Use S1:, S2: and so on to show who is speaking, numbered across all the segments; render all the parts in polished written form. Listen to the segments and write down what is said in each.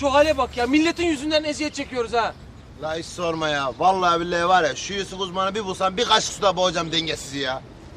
S1: şu hale bak ya. Milletin yüzünden eziyet çekiyoruz ha.
S2: La hiç sorma ya. Vallahi billahi var ya şu Yusuf uzmanı bir bulsam bir kaşık suda boğacağım dengesizi ya.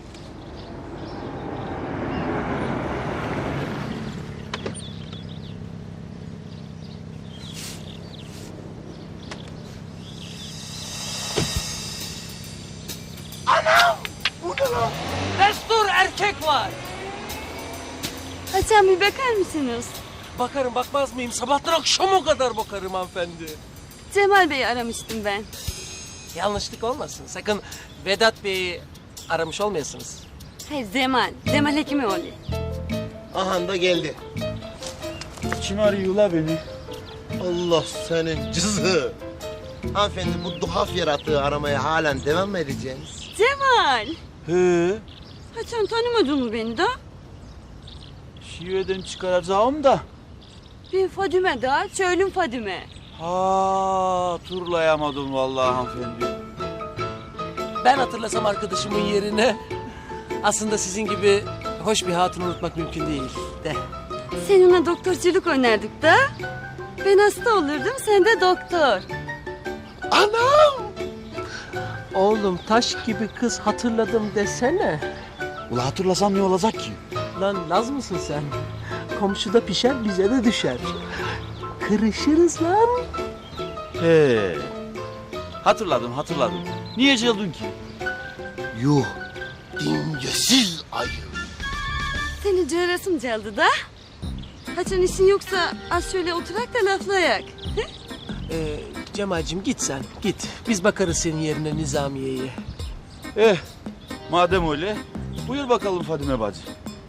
S2: Anam! Bu ne lan?
S1: Destur erkek var.
S3: Hasan bir bakar mısınız?
S1: Bakarım bakmaz mıyım? Sabahtan akşama kadar bakarım hanımefendi.
S3: Cemal Bey'i aramıştım ben.
S1: Yanlışlık olmasın. Sakın Vedat Bey'i aramış olmayasınız.
S3: Hayır Cemal. Cemal Hekimoğlu.
S2: Aha da geldi.
S4: Kim arıyor la beni?
S2: Allah senin cızı. Hanımefendi bu duhaf yaratığı aramaya halen devam mı edeceğiniz?
S3: Cemal.
S4: He,
S3: Hasan tanımadın mı beni de?
S4: şiveden çıkaracağım da.
S3: Ben Fadime da. Söylüm Fadime.
S4: Ha, turlayamadım vallahi hanımefendi.
S1: Ben hatırlasam arkadaşımın yerine... Aslında sizin gibi hoş bir hatunu unutmak mümkün değil de.
S3: Seninle doktorculuk oynardık da. Ben hasta olurdum, sen de doktor.
S2: Anam!
S1: Oğlum taş gibi kız hatırladım desene.
S4: Ula hatırlasam ne olacak ki?
S1: Lan Laz mısın sen? Komşuda pişer bize de düşer. Kırışırız lan.
S4: He. Hatırladım. Niye cıldın ki?
S2: Yuh! Dingesiz ayı.
S3: Seni cığırasım çaldı da. Hasan işin yoksa az şöyle oturak da laflayak.
S1: Cemal'cim git sen git. Biz bakarız senin yerine Nizamiye'ye.
S4: Madem öyle, buyur bakalım Fadime bacı.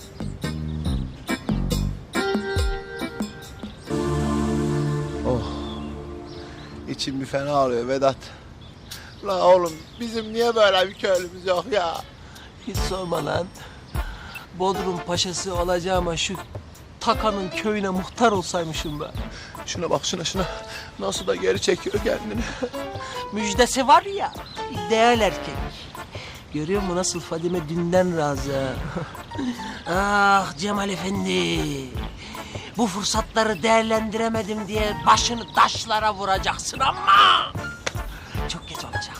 S2: İçim bir fena ağrıyor Vedat. La oğlum bizim niye böyle bir köylümüz yok ya?
S1: Hiç sorma lan. Bodrum paşası olacağıma şu Takan'ın köyüne muhtar olsaymışım ben.
S2: Şuna bak şuna. Nasıl da geri çekiyor kendini.
S1: Müjdesi var ya, ideal erkek. Görüyor musun nasıl Fadime dünden razı? Ah Cemal Efendi. Bu fırsatları değerlendiremedim diye başını taşlara vuracaksın ama... Çok geç olacak.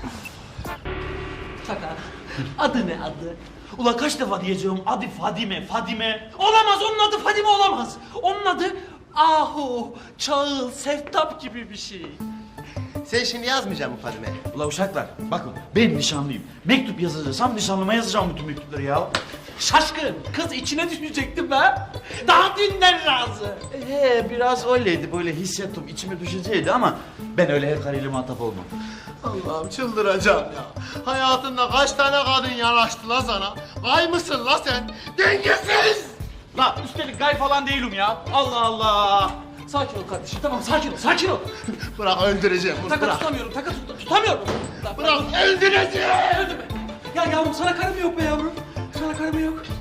S1: Takan, adı ne adı?
S5: Ulan kaç defa diyeceğim adı Fadime. Olamaz, onun adı Fadime olamaz. Onun adı Ahu, Çağıl, Seftap gibi bir şey.
S2: Sen şimdi yazmayacak mısın Fadime?
S5: Ulan uşaklar bakın ben nişanlıyım. Mektup yazacaksam nişanlıma yazacağım bütün mektupları ya.
S1: Şaşkın, kız içine düşecektim ben. Daha dünden razı.
S5: Biraz öyleydi, böyle hissettim, içime düşeceydi ama ben öyle her karıyla muhatap olmam.
S2: Allah'ım çıldıracağım ya. Hayatında kaç tane kadın yanaştı la sana? Gay mısın la sen? Dengesiz!
S5: La üstelik gay falan değilim ya. Allah Allah.
S1: Sakin ol kardeşim, tamam sakin ol.
S2: Bırak öldüreceğim bunu,
S1: Taka
S2: bırak.
S1: tutamıyorum, tutamıyorum.
S2: Bırak öldüreceğim!
S1: Öldürme. Ya yavrum sana karım yok be yavrum. Sana karım yok.